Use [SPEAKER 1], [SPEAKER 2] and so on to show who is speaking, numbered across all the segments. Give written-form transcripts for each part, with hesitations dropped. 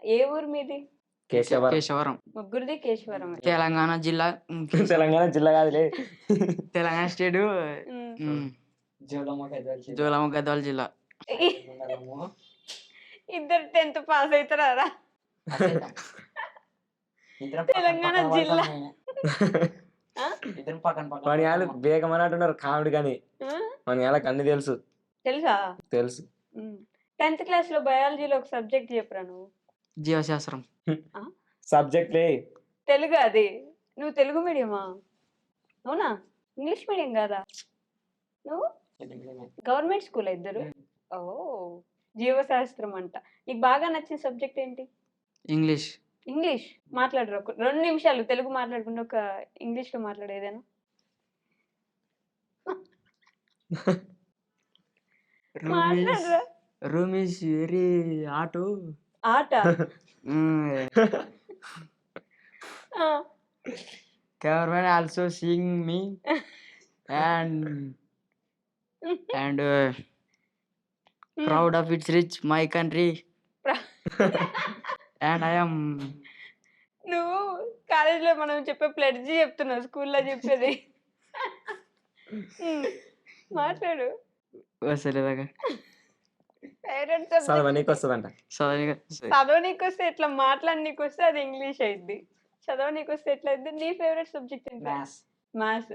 [SPEAKER 1] ఏ ఊరు మీది?
[SPEAKER 2] కేశవరం.
[SPEAKER 1] ముగ్గురిది కేశవరం.
[SPEAKER 2] తెలంగాణ జిల్లా.
[SPEAKER 3] తెలంగాణ జిల్లా కాదులే.
[SPEAKER 2] తెలంగాణ స్టేట్. జోలమ్మ గద్వాల జిల్లా.
[SPEAKER 1] ఇద్దరు 10th పాస్ అవుతారా? తెలంగాణ జిల్లా.
[SPEAKER 3] మన వాళ్ళు బేగం అన్నట్టున్నారు కామెడీ కానీ మన వాళ్ళకి అన్ని తెలుసు. తెలుసు.
[SPEAKER 1] 10th క్లాస్ లో బయాలజీలో ఒక సబ్జెక్ట్ చెప్పరా నువ్వు?
[SPEAKER 2] జీవశాస్త్రం
[SPEAKER 3] సబ్జెక్ట్
[SPEAKER 1] తెలుగు. అది నువ్వు తెలుగు మీడియమా? అవునా? ఇంగ్లీష్ మీడియం కాదా నువ్వు? గవర్నమెంట్ స్కూల్ ఇద్దరు? ఓ, జీవశాస్త్రం అంట. నీకు బాగా నచ్చిన సబ్జెక్ట్ ఏంటి?
[SPEAKER 2] ఇంగ్లీష్.
[SPEAKER 1] ఇంగ్లీష్ మాట్లాడరు. 2 నిమిషాలు తెలుగు మాట్లాడకుండా ఒక ఇంగ్లీష్ లో మాట్లాడేదేనా?
[SPEAKER 2] రూమ్ ఇస్ వెరీ ఆట. Government also seeing me and proud of its rich my country and I am.
[SPEAKER 1] నువ్వు కాలేజీలో మనం చెప్పే ప్లెడ్జి చెప్తున్నావు, స్కూల్లో చెప్పేది. మాట్లాడు.
[SPEAKER 3] చదవనీకి వస్తుందంట.
[SPEAKER 1] చదవనీకి వస్తే ఎట్లా, మాట్లాడనీకి వస్తే అది ఇంగ్లీష్ అయింది. చదవనీకి వస్తే ఎట్లా అయింది? నీ ఫేవరెట్ సబ్జెక్ట్ ఏంటి? మ్యాథ్స్.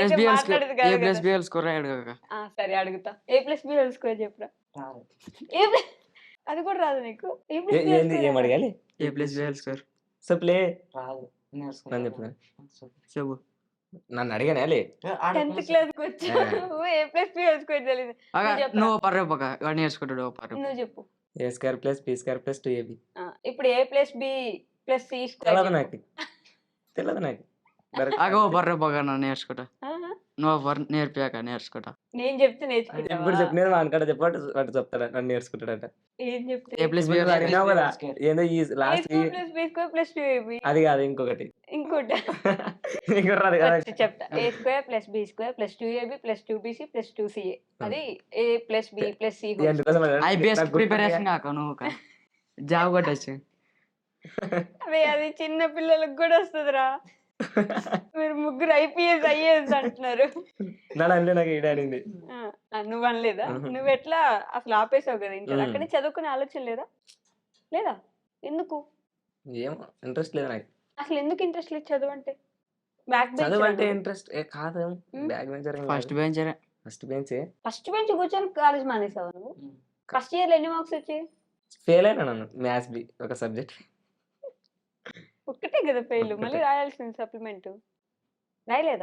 [SPEAKER 1] సరే అడుగుతా. A+B² చెప్పురా. అది కూడా రాదు నీకు?
[SPEAKER 3] ఏం అడగాలి?
[SPEAKER 2] A+B²
[SPEAKER 3] చెప్పలే. చెప్పు. నన్ను అడిగానే
[SPEAKER 1] 10th క్లాస్కి వచ్చావు, A+B² తెలియదు.
[SPEAKER 2] నువ్వు నేర్చుకుంటాడు.
[SPEAKER 1] నువ్వు చెప్పు.
[SPEAKER 3] A² + B² + 2AB.
[SPEAKER 1] ఇప్పుడు A+B + C²
[SPEAKER 3] తెలియదు నాకు.
[SPEAKER 2] నేర్చుకుంటా. నువ్వు నేర్పాక నేర్చుకుంటా.
[SPEAKER 1] నేను చెప్తే నేర్చుకుంటా.
[SPEAKER 3] ఇప్పుడు చెప్పినది వానికాడ చెప్పాడు, వాడు చెప్తాడు, నన్ను నేర్చుకుంటాడట.
[SPEAKER 1] ఏం చెప్తా?
[SPEAKER 3] అడిగినావు కదా ఏందో ఈ లాస్ట్
[SPEAKER 1] A² + B²
[SPEAKER 3] అది కాదు, ఇంకోటి
[SPEAKER 1] చెప్తా. A² + B² + 2AB + 2BC + 2CA. అది A+B + C.
[SPEAKER 2] ఐపీఎస్ ప్రిపరేషన్ కాక నువ్వు జాబ్ కొట్టచ్చు.
[SPEAKER 1] అదే, అది చిన్న పిల్లలకు కూడా వస్తుందిరా. మీరు ముగ్గురు IPS IAS అంటున్నారు. నువ్వు అనలేదా? నువ్వు ఎట్లా అసలు ఆపేసావు కదా ఇంటర్? అక్కడే చదువుకునే ఆలోచన లేదా? ఎందుకు?
[SPEAKER 3] ఏమో ఇంట్రెస్ట్ లేదు నాకు.
[SPEAKER 1] అసలు ఎందుకు ఇంట్రెస్ట్ లేదు చదువు అంటే?
[SPEAKER 3] చదువు అంటే ఇంట్రెస్ట్ కాదు. Back bencher.
[SPEAKER 2] ఫస్ట్
[SPEAKER 1] బెంచ్ కూర్చొని కాలేజ్ మానేసావు నువ్వు? ఫస్ట్ ఇయర్ లో ఎన్ని మార్క్స్ వచ్చాయి?
[SPEAKER 3] ఫెయిల్ అయినా నన్ను మ్యాథ్స్ బి ఒక సబ్జెక్ట్.
[SPEAKER 1] ఒక్కటే కదా ఫెయిల్, మళ్ళీ రాయాల్సింది సప్లిమెంట్. రాయలేదా?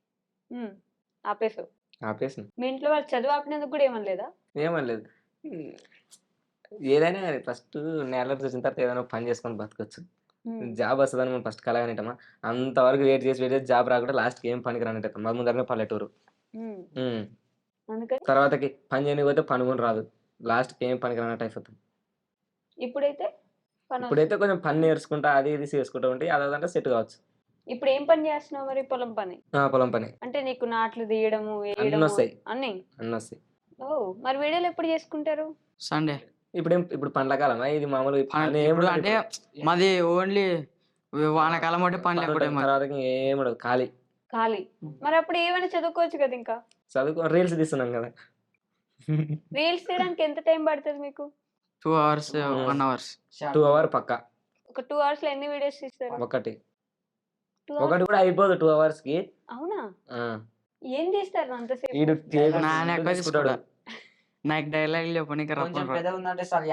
[SPEAKER 1] ఆపేసాను. మీ ఇంట్లో వాళ్ళు చదువు ఆపినందుకు కూడా ఏమనలేదా?
[SPEAKER 3] ఏమనలేదు. ఏదైనా ఫస్ట్ నేల చూసిన తర్వాత ఏదైనా పని చేసుకొని బతకొచ్చు. జాబ్ వస్తుందని మనం ఫస్ట్ కలగనిటమా? అంతవరకు వెయిట్ చేసి జాబ్ రాకుండా లాస్ట్కి ఏం పనికి రానిట. మా ముందరనే పల్లెటూరు. తర్వాతకి పని చేయకపోతే పని కూడా రాదు. లాస్ట్కి ఏం పనికి రానట్టు అయిపోతాం. ఇప్పుడైతే కొంచెం పని నేర్చుకుంటా, అది ఇది చేసుకుంటా ఉంటే అదంటే సెట్ కావచ్చు.
[SPEAKER 1] ఇప్పుడు ఏం పని చేస్తున్నావు మరి? పొలం పని. అంటే నీకు నాట్లు తీయడము, అన్ని
[SPEAKER 3] వస్తాయి.
[SPEAKER 1] ఓ, మరి వీడియోలు ఎప్పుడు చేసుకుంటారు?
[SPEAKER 2] సండే.
[SPEAKER 3] ఇప్పుడు పండ్ల కాలమా ఇది? మామూలు
[SPEAKER 2] అంటే మాది ఓన్లీ వానకాలం అంటే పని లేకపోతే
[SPEAKER 3] తర్వాత ఏమడదు, ఖాళీ.
[SPEAKER 1] మరి అప్పుడు ఏమైనా చదువుకోవచ్చు కదా? ఇంకా
[SPEAKER 3] రీల్స్ తీస్తున్నాం కదా.
[SPEAKER 1] రీల్స్ తీయడానికి ఎంత టైం పడుతుంది మీకు?
[SPEAKER 2] 2 hours 1 hour.
[SPEAKER 3] 2 hours పక్కా.
[SPEAKER 1] ఒక 2 hours లో ఎన్ని వీడియోస్ తీస్తారు?
[SPEAKER 3] ఒకటి కూడా అయిపోదు 2 hours కి.
[SPEAKER 1] అవునా? ఏం చేస్తారు అంతసేపు?
[SPEAKER 2] నాకు డైలాగ్ చెప్పనీకి
[SPEAKER 3] పక్కా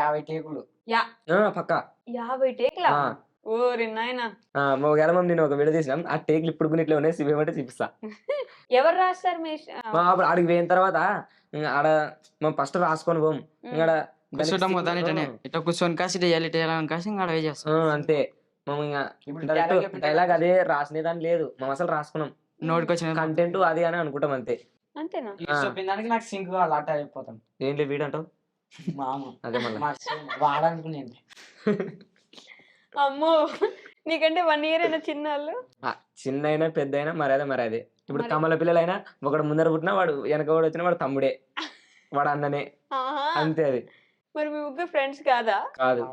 [SPEAKER 1] 50 టేక్లా? ఓరి నాయనా.
[SPEAKER 3] నేను ఒక వీడియో తీసినాం, ఆ టేక్లు ఇప్పుడు ఇట్లా ఉన్నాయి, సిబేమంటే చూపిస్తా.
[SPEAKER 1] ఎవరు రాస్తారు?
[SPEAKER 3] అప్పుడు ఆడికి పోయిన తర్వాత ఆడ మనం ఫస్ట్ రాసుకొని పోం,
[SPEAKER 2] కూర్చొని కాసి
[SPEAKER 3] అంతే. డైలాగ్ అదే రాసిన దాని లేదు, మనం అసలు రాసుకున్నాం.
[SPEAKER 2] నోటికొచ్చిన
[SPEAKER 3] కంటెంట్ అది అని అనుకుంటాం అంతే.
[SPEAKER 1] అంతేనా?
[SPEAKER 4] నాకు సింక్ కావాలి, అట్ట అయిపోతాం.
[SPEAKER 3] ఏంటి వీడంటావు? అదే మళ్ళీ
[SPEAKER 4] వాడనుకునేది.
[SPEAKER 1] అమ్మో, నీకంటే 1 year అయినా చిన్నవాళ్ళు?
[SPEAKER 3] చిన్న అయినా పెద్ద అయినా మరదే. ఇప్పుడు కమల పిల్లలైనా ఒకడు ముందర పుట్టినా వాడు వెనక కూడా వచ్చినా వాడు తమ్ముడే, వాడు అన్ననే, అంతే. అది
[SPEAKER 1] మరి మీ ముగ్గురు ఫ్రెండ్స్ కాదా?
[SPEAKER 3] కాదు.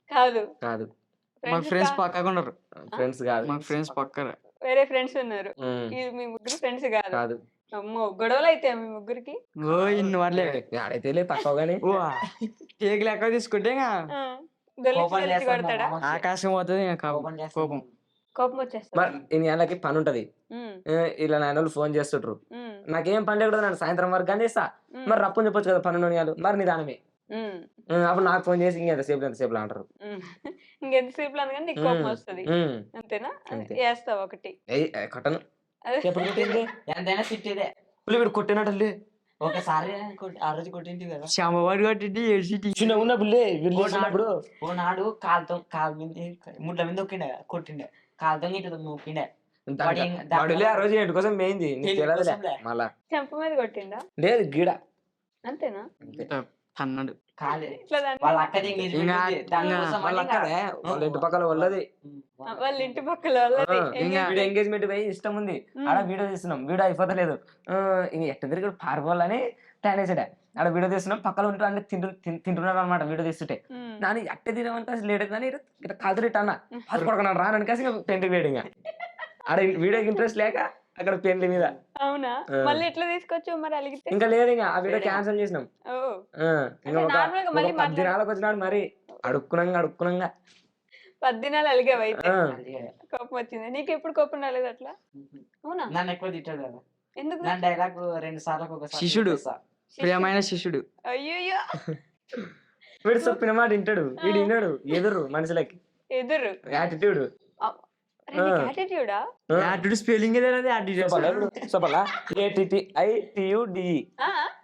[SPEAKER 1] కాదు.
[SPEAKER 3] కాదు.
[SPEAKER 2] మా ఫ్రెండ్స్
[SPEAKER 1] కా
[SPEAKER 2] పక్కగా ఉన్నారు.
[SPEAKER 3] ఫ్రెండ్స్ కాదు.
[SPEAKER 2] మా ఫ్రెండ్స్ పక్కన.
[SPEAKER 1] వేరే ఫ్రెండ్స్ ఉన్నారు.
[SPEAKER 3] ఉమ్,
[SPEAKER 1] మీ ముగ్గురు ఫ్రెండ్స్ కాదు.
[SPEAKER 3] కాదు.
[SPEAKER 1] అమ్మో! గొడవలైతాయా మీ ముగ్గురికి?
[SPEAKER 2] ఓ ఇన్ని వాట్లే
[SPEAKER 3] ఆడైతే లే తక్కువగానే.
[SPEAKER 2] ఓ కేక్ లెక్క తీసుకుంటే ఇంకా
[SPEAKER 1] ఆ! దొల్లిచ్చి
[SPEAKER 4] కోపం
[SPEAKER 1] దొల్లిచ్చి
[SPEAKER 4] చేస్తాడు మా
[SPEAKER 1] కొడతాడా?
[SPEAKER 4] మామ.
[SPEAKER 2] ఆకాశం పోతుంది ఇంకా
[SPEAKER 4] కోపం చేస్తాడు
[SPEAKER 2] కోపం.
[SPEAKER 1] కోపం వచ్చేస్తదా?
[SPEAKER 3] మరి ఇన్ని ఏళ్ళకి పని ఉంటది.
[SPEAKER 1] హ్మ్.
[SPEAKER 3] ఇలా నాయనోళ్ళు ఫోన్ చేస్తుండ్రు.
[SPEAKER 1] హ్మ్.
[SPEAKER 3] నాకేం పని లేకుండా నన్ను సాయంత్రం వరకు కానీ చేస్తా.
[SPEAKER 1] హ్మ్.
[SPEAKER 3] మరి రప్పని చెప్పొచ్చు కదా 12 నియాలు. మరి నిదానమే.
[SPEAKER 1] హ్మ్.
[SPEAKER 3] అప్పుడు నాకు ఫోన్ చేసి ఇంకెంతసేపు ఎంతసేపు అంటారు.
[SPEAKER 1] హ్మ్. ఇంకెంతసేపులో అనగానే నీకు కోపం వస్తది.
[SPEAKER 3] ఉమ్,
[SPEAKER 1] అంతేనా?
[SPEAKER 3] అంతే.
[SPEAKER 1] ఏస్తావు ఒకటి.
[SPEAKER 3] కొట్టను.
[SPEAKER 1] అదే.
[SPEAKER 3] ఎప్పుడు కొట్టింది?
[SPEAKER 4] ఎంతైనా తిట్టేదే.
[SPEAKER 3] వీడు కొట్టినట్టు
[SPEAKER 4] ఒకసారి ఆ రోజు కొట్టింది కదా.
[SPEAKER 2] శ్యామవాడు కట్టి ఏడ్చి
[SPEAKER 3] చిన్న ఉన్నప్పుడు వీళ్ళు
[SPEAKER 4] ఓనాడు కాలు మీద ముడ్ల మీద దొక్కిండే కొట్టిండే కాలుతో ఇటు నొక్కిండే.
[SPEAKER 3] వాడులే ఆ రోజు ఏంటి కోసం మెయింది నీకు
[SPEAKER 4] పెళ్లి
[SPEAKER 3] తెలియదులే
[SPEAKER 4] కోసంలే.
[SPEAKER 3] మళ్ళా.
[SPEAKER 1] చెంప మీద కొట్టిండా?
[SPEAKER 3] లేదు గీడ.
[SPEAKER 1] అంతేనా?
[SPEAKER 2] అన్నాడు.
[SPEAKER 4] కాలే
[SPEAKER 1] ఇట్లా దాన్ని
[SPEAKER 4] వాళ్ళ అక్కది ఇంగ్లీష్
[SPEAKER 2] ఇంకా
[SPEAKER 4] దానికోసం
[SPEAKER 3] వాళ్ళ
[SPEAKER 4] అని
[SPEAKER 3] అక్కడే వాళ్ళ ఇంటి పక్కల వాళ్ళది.
[SPEAKER 1] వాళ్ళ ఇంటి పక్కల వాళ్ళది.
[SPEAKER 2] ఇంకా
[SPEAKER 3] వీడియో ఎంగేజ్మెంట్ పోయి ఇష్టం ఉంది. ఆడ వీడియో తీస్తున్నాం. వీడియో అయిపోతలేదు. ఇంక ఎట్ట తిరిగి పారిపోవాలని ప్లాన్ వేసాడే. ఆడ వీడియో తీస్తున్నాం. పక్కన ఉంటూ అన్ని తింటున్నాడు అనమాట వీడియో తీస్తుంటే.
[SPEAKER 1] హ్మ్.
[SPEAKER 3] నాని అట్టే తినమంటే లేట్ కానీ ఇట్లా కాదు రిట్ అన్న అది పడుకున్నాడు రా ననికేసి ఇంకా పెయింటింగ్ వేయడం. ఇంకా ఆడ వీడియోకి ఇంట్రెస్ట్ లేక అక్కడ పెయింట్ మీద.
[SPEAKER 1] అవునా? మళ్ళీ ఎట్లా తీసుకొచ్చావు మరి అలిగితే?
[SPEAKER 3] ఇంకా లేదు ఇంకా ఆ వీడియో క్యాన్సిల్ చేసినాం.
[SPEAKER 1] ఓ!
[SPEAKER 3] ఇంకా
[SPEAKER 1] అంటే
[SPEAKER 3] ఒక
[SPEAKER 1] నార్మల్‌గా మళ్ళీ
[SPEAKER 3] 10 దినాలకు వచ్చినాడు మరి అడుక్కునంగా
[SPEAKER 1] 10 దినాలు అలిగావు అయితే.
[SPEAKER 3] ఆ.
[SPEAKER 1] కోపం వచ్చింది. నీకు ఎప్పుడు కోపం రాలేదు అట్లా? అవునా?
[SPEAKER 4] నన్ను ఎక్కువ తిట్టాడు కదా.
[SPEAKER 1] ఎందుకు?
[SPEAKER 4] నా డైలాగ్ 2 సార్లకు ఒకసారి
[SPEAKER 2] శిష్యుడు.
[SPEAKER 4] చెప్పేస్తా.
[SPEAKER 2] ప్రియమైన శిష్యుడు.
[SPEAKER 1] అయ్యయ్యో!
[SPEAKER 3] వీడు చెప్పిన మాట వింటాడు. వీడు విన్నాడు ఎదురు మనుషులకి
[SPEAKER 1] ఎదురు.
[SPEAKER 3] యాటిట్యూడ్.
[SPEAKER 1] అరే నీకు యాటిట్యూడా?
[SPEAKER 2] యాటిట్యూడ్ స్పెల్లింగ్ ఏదైనా యాటిట్యూడ్.
[SPEAKER 3] చెప్పాలా ATTITUDE
[SPEAKER 1] ఆ?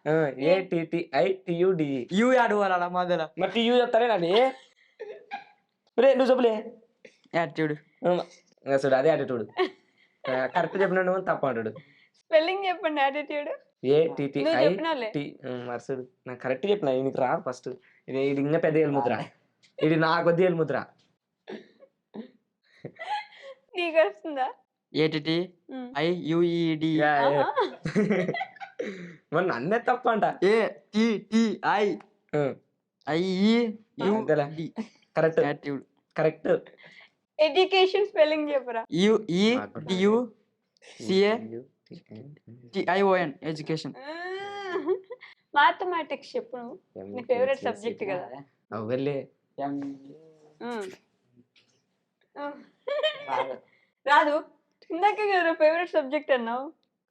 [SPEAKER 3] ATTITUDE
[SPEAKER 2] యూ ఆడుకోవాలా మధ్యలో
[SPEAKER 3] మరి టీయూ చెప్తారే నాని రే నువ్వు చెప్పలే
[SPEAKER 2] యాటిట్యూడ్.
[SPEAKER 3] చూడు అదే యాటిట్యూడ్. కరెక్ట్ చెప్పినాడు తప్ప అంటాడు.
[SPEAKER 1] స్పెల్లింగ్ చెప్పండి యాటిట్యూడ్. నువ్వు చెప్పినావులే.
[SPEAKER 3] ATTIT మర్సుడు నాకు కరెక్ట్ చెప్పిన నీకు రా ఫస్ట్. ఇది ఇంకా పెద్ద ఏలుముద్ర. ఇది నా కొద్ది ఏలుముద్ర.
[SPEAKER 1] నీకు వస్తుందా?
[SPEAKER 2] ఏటిటి
[SPEAKER 1] హ్మ్.
[SPEAKER 2] IUED
[SPEAKER 1] ఆహా.
[SPEAKER 3] మరి నన్నే తప్ప అంట.
[SPEAKER 2] ATTI
[SPEAKER 3] అంతేలే.
[SPEAKER 2] IEUD
[SPEAKER 3] correct
[SPEAKER 2] attitude.
[SPEAKER 3] Correct.
[SPEAKER 1] Education spelling చెప్పరా?
[SPEAKER 2] UEDUCATION education.
[SPEAKER 1] మ్యాథమెటిక్స్ చెప్పు నువ్వు. నీ ఫేవరెట్ సబ్జెక్ట్ కదా.
[SPEAKER 3] అవెళ్ళే
[SPEAKER 1] హ్మ్. రాదు. ఇందాకే కదా ఫేవరెట్ సబ్జెక్ట్ అన్నావు.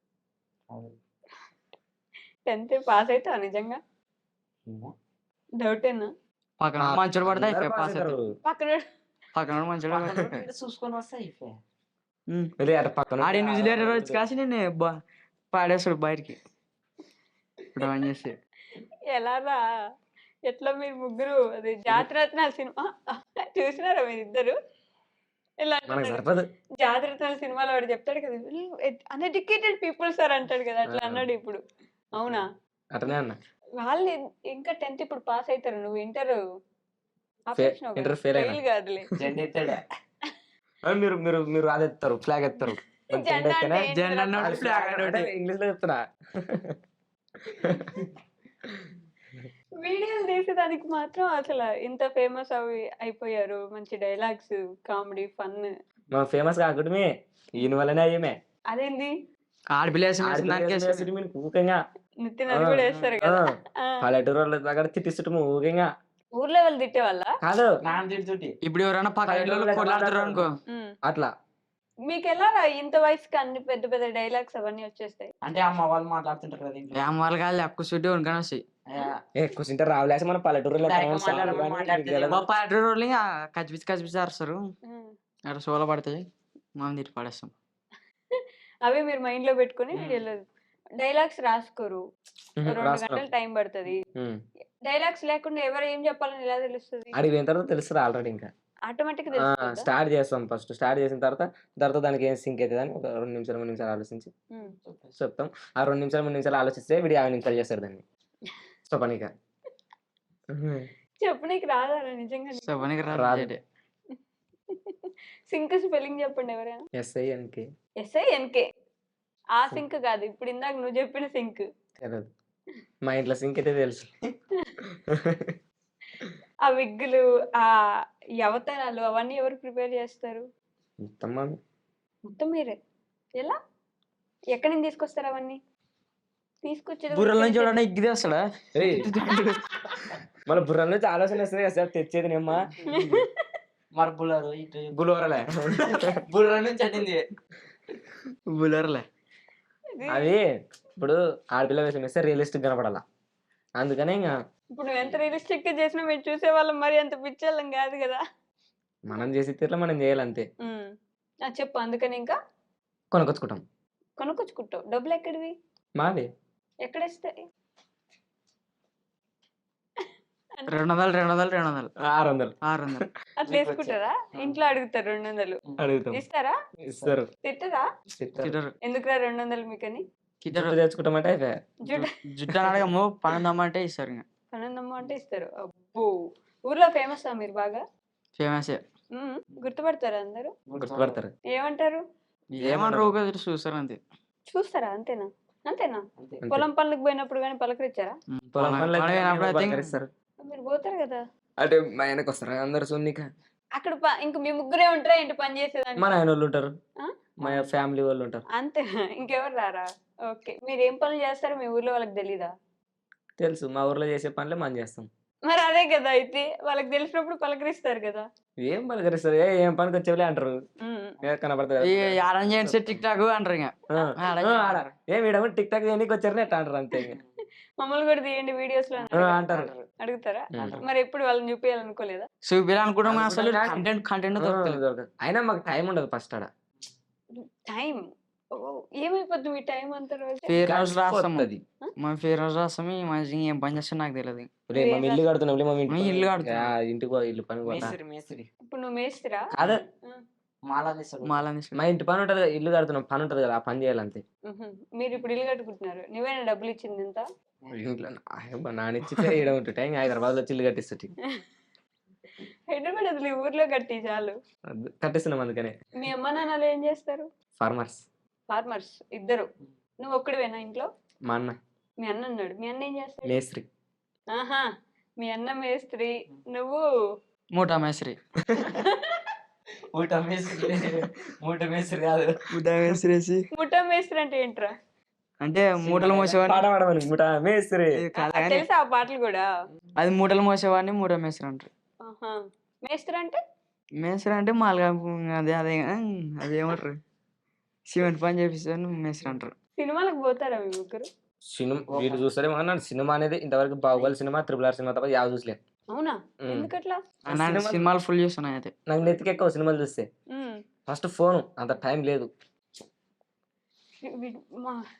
[SPEAKER 1] 10th పాస్ అవుతావా నిజంగా? డౌటేనా?
[SPEAKER 2] పక్కన మంచోడు పడితే అయిపోయి పాస్ అవుతాడు.
[SPEAKER 1] పక్కన
[SPEAKER 2] మంచోడు
[SPEAKER 4] చూసుకొని వస్తా అయిపోయా.
[SPEAKER 3] పక్కన
[SPEAKER 2] ఆడే న్యూజిలాండ్ రోజు కాసి నేను పాడేస్తాడు బయటికి డ్రాయింగ్ చేసి.
[SPEAKER 1] ఎలా రా? ఎట్లా మీరు ముగ్గురు అది జాతిరత్నాల సినిమా చూసినారా మీరిద్దరు? ఇలా
[SPEAKER 3] మనకు
[SPEAKER 1] అంటున్నాడు.
[SPEAKER 3] సరిపదు.
[SPEAKER 1] జాతిరత్నాల సినిమాలో వాడు చెప్తాడు కదా, అన్ఎడ్యుకేటెడ్ పీపుల్ సార్ అంటాడు కదా, అట్లా అన్నాడు ఇప్పుడు. అవునా?
[SPEAKER 3] అటనే అన్న
[SPEAKER 1] వాళ్ళు ఇంకా 10th ఇప్పుడు పాస్ అవుతారు. నువ్వు ఇంటర్
[SPEAKER 3] ఇంటర్ ఫెయిల్ అయినా.
[SPEAKER 1] ఫెయిల్ కాదులే.
[SPEAKER 4] జెండా ఎత్తాడే.
[SPEAKER 3] మీరు మీరు మీరు అది ఎత్తారు ఫ్లాగ్ ఎత్తారు.
[SPEAKER 1] జెండా అంటే ఏంటి
[SPEAKER 2] జెండా
[SPEAKER 1] రా?
[SPEAKER 2] అన్నాడు, ఫ్లాగ్ అన్నాడు.
[SPEAKER 3] ఇంగ్లీష్ లో చెప్తున్నా.
[SPEAKER 1] వీడియోలు తీసేదానికి మాత్రం అసలు ఇంత ఫేమస్ అయిపోయారు. మంచి డైలాగ్స్, కామెడీ, ఫన్.
[SPEAKER 3] మనం ఫేమస్ కాకుండా ఈయన వల్లనే అయ్యమే.
[SPEAKER 1] అదేంది?
[SPEAKER 2] ఆడపిల్లేసి
[SPEAKER 3] ఊకంగా
[SPEAKER 1] నితిన్ అది కూడా వేస్తారు కదా. ఆ.
[SPEAKER 3] పల్లెటూరు వాళ్ళ దగ్గర తిట్టిస్తుంటాము ఊకంగా.
[SPEAKER 1] ఊర్లో వాళ్ళు తిట్టే వాళ్ళ?
[SPEAKER 3] కాదు
[SPEAKER 4] నాన్న తిడుతుంటే
[SPEAKER 2] ఇప్పుడు ఎవరైనా పక్కన కొట్లాడుతారు అనుకో
[SPEAKER 3] అట్లా.
[SPEAKER 1] మీకు ఎలా రా ఇంత వయసుకి అన్ని పెద్ద పెద్ద డైలాగ్స్ అవన్నీ వచ్చేస్తాయి?
[SPEAKER 4] అంటే అమ్మ వాళ్ళు మాట్లాడుతుంటారు కదా ఇంట్లో.
[SPEAKER 2] ఏం వాళ్ళు కాదు ఎక్కువ చుట్టూ ఉనకాని వస్తాయి.
[SPEAKER 3] కూర్చుంటే రావులేసి మన పల్లెటూరులో
[SPEAKER 2] మా పల్లెటూరు వాళ్ళు ఇంకా కచ్చిపిచ్చి అరుస్తారు.
[SPEAKER 1] ఉమ్.
[SPEAKER 2] అక్కడ సోల పడతాయి, మనం తిట్టి పడేస్తాం.
[SPEAKER 1] అవి మీరు మైండ్ లో పెట్టుకుని వీడియోలో డైలాగ్స్ రాసుకోరు. 2 గంటలు టైం పడుతుంది. డైలాగ్స్ లేకుండా ఎవరు ఏం చెప్పాలని ఎలా తెలుస్తుంది?
[SPEAKER 3] అడిగి పోయిన తర్వాత తెలుస్తుంది ఆల్రెడీ. ఇంకా
[SPEAKER 1] ఆటోమేటిక్
[SPEAKER 3] స్టార్ట్ చేస్తాం. ఫస్ట్ స్టార్ట్ చేసిన తర్వాత దానికి ఏం సింక్ అవుతుంది అని ఒక 2 నిమిషాలు 3 నిమిషాలు ఆలోచించి చెప్తాం. ఆ 2 నిమిషాలు 3 నిమిషాలు ఆలోచిస్తే వీడు 50 నిమిషాలు చేస్తాడు దాన్ని చెప్పనీక.
[SPEAKER 1] చెప్పు, నీకు రాదా నిజంగా?
[SPEAKER 2] చెప్పనీకి
[SPEAKER 3] రాదు.
[SPEAKER 1] సింక్ స్పెల్లింగ్ చెప్పండి ఎవరైనా.
[SPEAKER 3] SINK.
[SPEAKER 1] SINK. ఆ సింక్ కాదు, ఇప్పుడు ఇందాక నువ్వు చెప్పిన సింక్.
[SPEAKER 3] మా ఇంట్లో సింక్ అయితే తెలుసు.
[SPEAKER 1] ఆ విగ్గులు, ఆ ఈ అవతారాలు అవన్నీ ఎవరు ప్రిపేర్ చేస్తారు?
[SPEAKER 3] మొత్తం మాది.
[SPEAKER 1] మొత్తం మీరే. ఎలా? ఎక్కడి నుంచి తీసుకొస్తారు అవన్నీ? తీసుకొచ్చేది కూడా
[SPEAKER 2] బుర్రల నుంచి
[SPEAKER 1] ఇక్కడి
[SPEAKER 2] చూడండి ఇగ్గిది వస్తాడా
[SPEAKER 3] ఏయ్, మన బుర్ర నుంచి ఆలోచన వస్తుంది కదా సార్, తెచ్చేది నేమ్మా
[SPEAKER 4] మరి బుల్లరు ఇటు
[SPEAKER 3] బులోరలే.
[SPEAKER 4] బుల్లర్ నుంచి అట్టింది.
[SPEAKER 2] బుల్లర్లే
[SPEAKER 1] ఇది.
[SPEAKER 3] అది ఇప్పుడు ఆడపిల్ల వేషం వేస్తే రియలిస్టిక్ కనపడాల, అందుకనే ఇంకా
[SPEAKER 1] ఇప్పుడు నువ్వు ఎంత రియలిస్టిక్ గా చేసినా మేము చూసేవాళ్ళం, మరి అంత పిచ్చోళ్ళం కాదు కదా.
[SPEAKER 3] మనం చేసే తీరులో మనం చేయాలంతే.
[SPEAKER 1] చెప్పు. అందుకని ఇంకా
[SPEAKER 3] కొనుక్కొచ్చుకుంటాం.
[SPEAKER 1] కొనుక్కొచ్చుకుంటావు. డబ్బులు ఎక్కడివి?
[SPEAKER 3] మాది
[SPEAKER 1] ఎక్కడేస్తాయి?
[SPEAKER 2] 200
[SPEAKER 3] 600
[SPEAKER 2] 600
[SPEAKER 1] అట్లా వేసుకుంటారా? ఇంట్లో అడుగుతారు 200.
[SPEAKER 3] అడుగుతాం,
[SPEAKER 1] ఇస్తారా?
[SPEAKER 3] ఇస్తారు.
[SPEAKER 1] తిట్టరా?
[SPEAKER 2] చిటర్
[SPEAKER 1] ఎందుకురా 200 మీకని?
[SPEAKER 2] కిటర్
[SPEAKER 3] జుట్టు తెచ్చుకుంటామంటే అయిపోయా.
[SPEAKER 2] జుట్టు అని అడగము 12 అంటే ఇస్తారు ఇంకా
[SPEAKER 1] పనందమ్మ అంటే ఇస్తారు. అబ్బో, ఊర్లో ఫేమస్ మీరు బాగా?
[SPEAKER 2] ఫేమస్
[SPEAKER 1] గుర్తుపడతారా అందరూ?
[SPEAKER 3] గుర్తుపడతారు.
[SPEAKER 1] ఏమంటారు?
[SPEAKER 2] ఏమన్నారు ఊరికే చూస్తారు అంతే.
[SPEAKER 1] చూస్తారా? అంతేనా? అంతేనా?
[SPEAKER 3] అంతే.
[SPEAKER 1] పొలం పనులకు పోయినప్పుడు కానీ పలకరించారా?
[SPEAKER 3] పొలం పనులు అయితే
[SPEAKER 2] అప్పుడు అయితే
[SPEAKER 3] పలకరిస్తారు.
[SPEAKER 1] మీరు పోతారు కదా.
[SPEAKER 3] అంటే మా ఆయనకు వస్తారు అందరు సున్నిక.
[SPEAKER 1] అక్కడ ఇంక మీ ముగ్గురే ఉంటారా ఏంటి పని చేసేదాన్ని?
[SPEAKER 3] మా ఆయన వాళ్ళు ఉంటారు,
[SPEAKER 1] ఆ?
[SPEAKER 3] మా ఫ్యామిలీ వాళ్ళు ఉంటారు.
[SPEAKER 1] అంతేనా? ఇంకెవరు రారా? ఓకే. మీరు ఏం పనులు చేస్తారో మీ ఊర్లో వాళ్ళకి తెలీదా?
[SPEAKER 3] తెలుసు, మా ఊర్లో చేసే పనులే మనం చేస్తాం.
[SPEAKER 1] మరి అదే కదా, అయితే వాళ్ళకి తెలిసినప్పుడు పలకరిస్తారు కదా.
[SPEAKER 3] ఏం పలకరిస్తారు, ఏం పనికి వచ్చేవాళ్ళే అంటారు. కనపడతారు
[SPEAKER 2] ఆరెంజ్ చేసి టిక్ టాక్ అంటారు ఇంకా
[SPEAKER 3] ఏం వీడేమో టిక్ టాక్ చేయడానికి వచ్చారని ఎట్లా అంటారు అంతే. ఇంకా
[SPEAKER 1] మమ్మల్ని కూడా తీయండి వీడియోస్ లో
[SPEAKER 3] అంటారు.
[SPEAKER 1] అడుగుతారా?
[SPEAKER 3] అంటారు.
[SPEAKER 1] మరి ఎప్పుడు వాళ్ళని చూపించాలనుకోలేదా?
[SPEAKER 2] చూపించాలనుకుంటాం అసలు కంటెంట్ దొరుకుతుంది.
[SPEAKER 3] దొరకదు. అయినా మాకు టైం ఉండదు ఫస్ట్ ఆడ.
[SPEAKER 1] టైం ఏమైపోద్ది మీ టైం అంత రోజు?
[SPEAKER 2] ఫేర్ హౌస్ రాస్తాము,
[SPEAKER 3] పోతది.
[SPEAKER 2] మా ఫేర్ హౌస్ రాస్తాము. ఈ మధ్య ఏం పని చేస్తా నాకు తెలియదు.
[SPEAKER 3] ఒరేయ్, మేము ఇల్లు కడుతున్నాం, ఒరేయ్, మేము
[SPEAKER 2] మేము ఇల్లు కడుతున్నాం.
[SPEAKER 3] ఇంటికి పో, ఇల్లు పని పోతా.
[SPEAKER 4] మేస్త్రి
[SPEAKER 1] ఇప్పుడు నువ్వు మేస్తిరా?
[SPEAKER 3] అదే
[SPEAKER 4] మాలా తీస్తాడు.
[SPEAKER 2] మాలని
[SPEAKER 3] మా ఇంటి పని ఉంటది కదా, ఇల్లు కడుతున్నాం పని ఉంటది కదా, ఆ పని చేయాలంతే.
[SPEAKER 1] మీరు ఇప్పుడు ఇల్లు కట్టుకుంటున్నారు. నువ్వేనా డబ్బులు ఇచ్చింది ఎంత?
[SPEAKER 3] ఇంట్లో నానిచ్చితే ఈడ ఉంటుంటే ఇంకా హైదరాబాద్ లో ఇల్లు కట్టిస్తుంది.
[SPEAKER 1] హైదరాబాద్ అసలు ఈ ఊర్లో కట్టి చాలు.
[SPEAKER 3] కట్టిస్తున్నాం అందుకనే.
[SPEAKER 1] మీ అమ్మ నాన్నలు ఏం చేస్తారు?
[SPEAKER 3] ఫార్మర్స్.
[SPEAKER 1] ఫార్మర్స్ ఇద్దరు. నువ్వు ఒక్కడివేనా ఇంట్లో?
[SPEAKER 3] మా అన్న
[SPEAKER 1] మీ అన్న ఉన్నాడు. మీ అన్న ఏం చేస్తాడు?
[SPEAKER 3] మేస్త్రి.
[SPEAKER 1] ఆహా, మీ అన్న మేస్త్రి, నువ్వు
[SPEAKER 2] మూటా మేస్త్రి.
[SPEAKER 4] మూట మేస్త్రి కాదు.
[SPEAKER 2] మూటా మేస్త్రి
[SPEAKER 1] ముఠా మేస్త్రి అంటే ఏంట్రా?
[SPEAKER 2] అంటే మూటలు మోసేవాడిని.
[SPEAKER 3] పాట పాడమని ముఠా మేస్త్రి.
[SPEAKER 1] తెలుసా ఆ పాటలు కూడా?
[SPEAKER 2] అది మూటలు మోసేవాడిని మూటా మేస్త్రి అంటారు.
[SPEAKER 1] ఆహా, మేస్త్రి అంటే
[SPEAKER 2] మేస్త్రి అంటే మాలుగా అదేమంటారు, సిమెంట్ పని చేపిస్తాను మేస్త్రి అంటారు.
[SPEAKER 1] సినిమాలకు పోతారా మీ ముగ్గురు?
[SPEAKER 3] సినిమా వీళ్ళు చూస్తారే అన్నాడు. సినిమా అనేది ఇంతవరకు బాహుబలి సినిమా, RRR సినిమా తప్ప యావ చూసలే.
[SPEAKER 1] అవునా? ఎందుకట్లా?
[SPEAKER 2] సినిమాలు ఫుల్ చూస్తున్నాయి అయితే.
[SPEAKER 3] నాకు నెత్తికి ఎక్కువ సినిమాలు చూస్తే. ఫస్ట్ ఫోన్ అంత టైం లేదు.